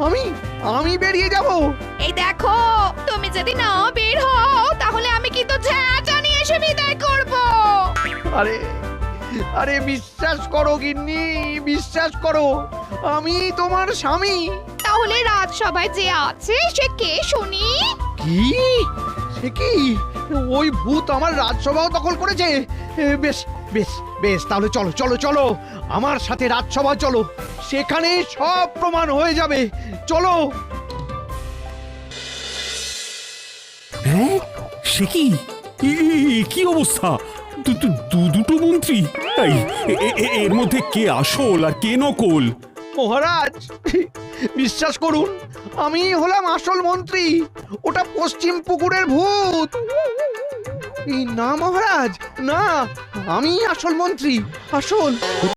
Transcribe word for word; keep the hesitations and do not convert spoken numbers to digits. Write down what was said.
আমি আমি বেরিয়ে যাব? এই দেখো, তুমি যদি না বের হও তাহলে আমি কিন্তু ঝাঁটা নিয়ে এসে বিদায় করব। আরে আরে বিশ্বাস করো গিন্নি, বিশ্বাস করো, আমি তোমার স্বামী। তাহলে রাজসভায় যে আছে সে কে শুনি? কি? সে কি? ওই ভূত আমার রাজসভাও দখল করেছে? এ, বেশ বেশ বেশ, তাহলে চলো চলো চলো আমার সাথে রাজসভা চলো, সেখানে সব প্রমাণ হয়ে যাবে। চলো। হ্যাঁ, সে কি? এ- এ- কি অবস্থা? দু- দু- দু- দুটো মন্ত্রী? এই, এ- এ- এ- এর মধ্যে কে আসল আর কে নকল? মহারাজ, বিশ্বাস করুন, আমি হলাম আসল মন্ত্রী, ওটা পশ্চিম পুকুরের ভূত। এই না মহারাজ, না, আমি আসল মন্ত্রী, আসল।